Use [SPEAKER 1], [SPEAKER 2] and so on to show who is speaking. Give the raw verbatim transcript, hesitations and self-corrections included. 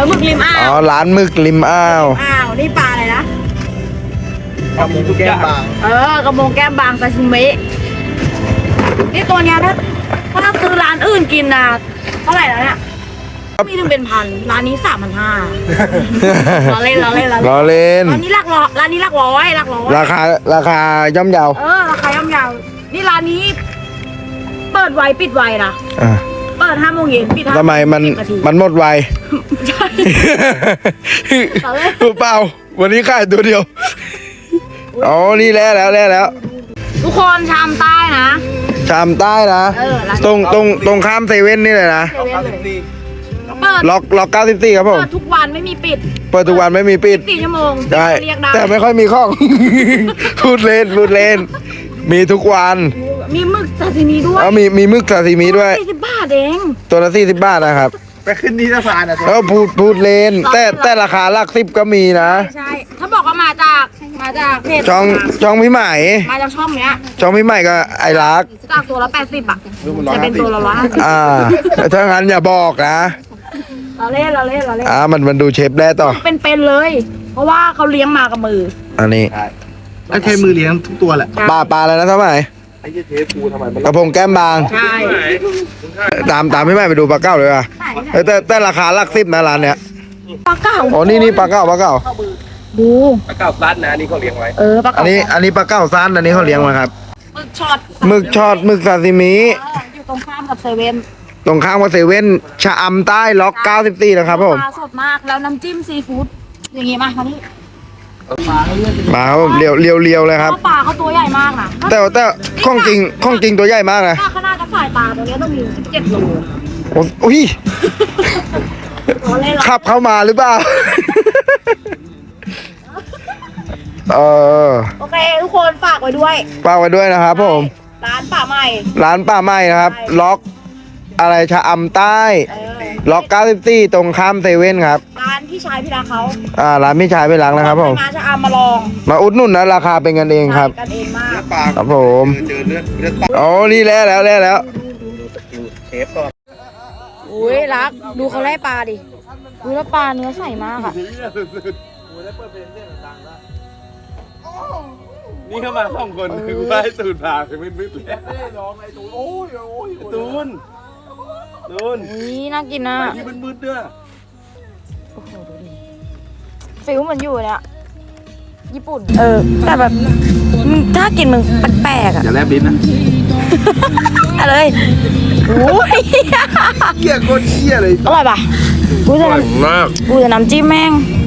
[SPEAKER 1] หมึกริมอ่าว
[SPEAKER 2] อ๋อร้านหมึกริมอ้าว
[SPEAKER 1] อ้าวนี่ปลาอะไรนะ
[SPEAKER 3] กระมงแก้มบาง
[SPEAKER 1] เออกระมงแก้มบางซาซิมินี่ตัวเนี้ยถ้าถ้าซื้อร้านอื่นกินนะเท่าไหร่แล้วเนี่ยมีถึงเป็นพันร้านนี้สามพันห้าเราเล่นเราเล่นเรา
[SPEAKER 2] รอเล่น
[SPEAKER 1] ร้านนี้หลักร้อยร้านนี้หลักร้อยหลักร้อย
[SPEAKER 2] ราคาราคาย่อมเยา
[SPEAKER 1] เออราคาย่อมเยาวนี่ร้านนี้ เปิดไวปิดไวนะ
[SPEAKER 2] อ่ะ
[SPEAKER 1] เปิดห้าโมงเย็นปิดห้า
[SPEAKER 2] ทำไมมัน
[SPEAKER 1] สิบนาที
[SPEAKER 2] มันหมดไว
[SPEAKER 1] ใช่ ต่อเลย
[SPEAKER 2] รู้เปล่าวันนี้ขายตัวเดียวอ๋อนี่แล้วแล้วแล้วแล้ว
[SPEAKER 1] ทุกคนชามใต้นะ
[SPEAKER 2] ชามใต้นะ
[SPEAKER 1] เออร้าน
[SPEAKER 2] ตรงตรงตรงข้ามเซเว่นนี่เลยนะ
[SPEAKER 1] เซเว่นเลยเปิด
[SPEAKER 2] ล็อกล็อกเก้าสิบสี่ครับผม
[SPEAKER 1] เปิดทุกวันไม่มีปิด
[SPEAKER 2] เปิดทุกวันไม่มีปิด
[SPEAKER 1] สี่ชั่วโมง
[SPEAKER 2] ได้
[SPEAKER 1] เรียกได้
[SPEAKER 2] แต่ไม่ค่อยมีข้อง พูดเล่นพูดเล่น มีทุกวัน
[SPEAKER 1] มีหมึกซาซิมิด้วย
[SPEAKER 2] แล้วมีมีมึกซาซิมิด้วย
[SPEAKER 1] สี่สิบบาทเอง
[SPEAKER 2] ตัวละสี่สิบบาทนะครับ
[SPEAKER 3] ไปขึ้นที่สะพานอ่ะ
[SPEAKER 2] แล้วพูดพูดเล่น แต่แต่ราคาหลักสิบก็มีนะ
[SPEAKER 1] ใช่ ถ้าบอกว่ามาจากมาจากเพจ
[SPEAKER 2] ช่องช่องพี่ใหม่
[SPEAKER 1] มาจากช่องเนี้ย
[SPEAKER 2] ช่องพี่ใหม่ก็ไอรัก
[SPEAKER 1] จากตัวละแปดสิบอ่ะจะเป็นตัวละร้อยห้าสิบ
[SPEAKER 2] อ่าถ้างั้นอย่าบอกนะ
[SPEAKER 1] เราเล่นเราเล่นเราเล่น
[SPEAKER 2] อ่ามันมันดูเชฟได้ต่อ
[SPEAKER 1] เป็นๆเลย เพราะว่าเขาเลี้ยงมากับมือ
[SPEAKER 2] อันนี้
[SPEAKER 3] แล้วใช้มือเลี้ยงทุกตัวแหละ
[SPEAKER 2] ปลาปลาอะไรนะท่านใหม่
[SPEAKER 3] ไอ้เทปูทำไมมัน
[SPEAKER 2] กระพงแก้มบาง
[SPEAKER 1] ใช่
[SPEAKER 2] ตามตามพี่ใหม่ไปดูปลาเก้าเลยว่ะ
[SPEAKER 1] ใช่
[SPEAKER 2] เอ้ยแต่แต่ราคาหลักสิบนะร้านเนี้ย
[SPEAKER 1] ปลาเก่า
[SPEAKER 2] อ๋อนี่นี่ปลาเก้าปลาเก้า
[SPEAKER 1] ดู
[SPEAKER 3] ปลาเก่าซัดนะนี่เขาเลี้ยงไว้
[SPEAKER 1] เออปลา
[SPEAKER 2] อั
[SPEAKER 1] เก่าน
[SPEAKER 2] นี้อันนี้ปลาเก้าซันอันนี้เขาเลี้ยงมาครับ
[SPEAKER 1] หมึกช็อต
[SPEAKER 2] หมึกช็อตหมึกซาซิมิ
[SPEAKER 1] เอออยู่ตรงข้ามกับเซเว่น
[SPEAKER 2] ตรงข้างวัดเซเว่นชะอำใต้ล็อกเก้าสิบสี่นะครับผม
[SPEAKER 1] ปลาสดมากแล้วน้ำจิ้มซีฟู้ดอย่างงี้มามานี่
[SPEAKER 2] มาครับผมเรียวเรียวเรียวเลยครับ
[SPEAKER 1] เพราะปลาเขาตัวใหญ่มากนะ
[SPEAKER 2] แต่แต่ของจริงของจริงตัวใหญ่มากนะ
[SPEAKER 1] ถ้าขนาดกับสายตาตัวเนี้ยต้องมีสิบเจ็ดโล
[SPEAKER 2] โอ้โอ้ย
[SPEAKER 1] เราเล่นเรา
[SPEAKER 2] ขับเข้ามาหรือเปล่า เออ
[SPEAKER 1] โอเคทุกคนฝากไว้ด้วย
[SPEAKER 2] ฝากไว้ด้วยนะครับผม
[SPEAKER 1] ร้านป่าใหม่
[SPEAKER 2] ร้านป่าไม้นะครับ ล็อกอะไรชะอำใต้
[SPEAKER 1] เออ
[SPEAKER 2] ล็อกเก้าสิบสี่ตรงข้ามเซเว่นครับ
[SPEAKER 1] ร้านพี่ชายพี่รักเขา
[SPEAKER 2] อ่าร้านพี่ชายไปล้างนะครับผม
[SPEAKER 1] มาจะเอามาลอง
[SPEAKER 2] มาอุดหนุนนะราคาเป็นกันเองครับ
[SPEAKER 1] กันเองมาก
[SPEAKER 3] ปลา
[SPEAKER 2] ครับผม
[SPEAKER 3] เจอเลือดเลือดปลา
[SPEAKER 2] อ๋อนี่แล้วแล้วแล้วแล้ว
[SPEAKER 3] เชฟก่อน
[SPEAKER 1] อุ้ยรักดูเขาไล่ปลาดิดูแล้วปลาเนื้อใสมากอ่ะ
[SPEAKER 3] นี่เข้ามาสองคนคือว่าให้ตูนพาไปมืดๆเลยร้องไอ้ตูนโอ้ยโอ้ยตูนตูน
[SPEAKER 1] นี่น่ากินนะ
[SPEAKER 3] ไปที่มืดๆด้วย
[SPEAKER 1] โอ้โหดูดิฟิลเหมือนอยู่เนี่ยญี่ปุ่น เออ แต่แบบมึงถ้ากินมึงแปลกๆอ่ะ
[SPEAKER 3] อย่าแลบลิ้นนะ
[SPEAKER 1] อะไรโอ้ย
[SPEAKER 3] เหี้ยโคตรเหี้ยเลย
[SPEAKER 1] อร่อยปะกูจะ
[SPEAKER 2] อร่อย
[SPEAKER 1] น้ำ
[SPEAKER 2] มาก
[SPEAKER 1] กูจะน้ำจิ้มแม่ง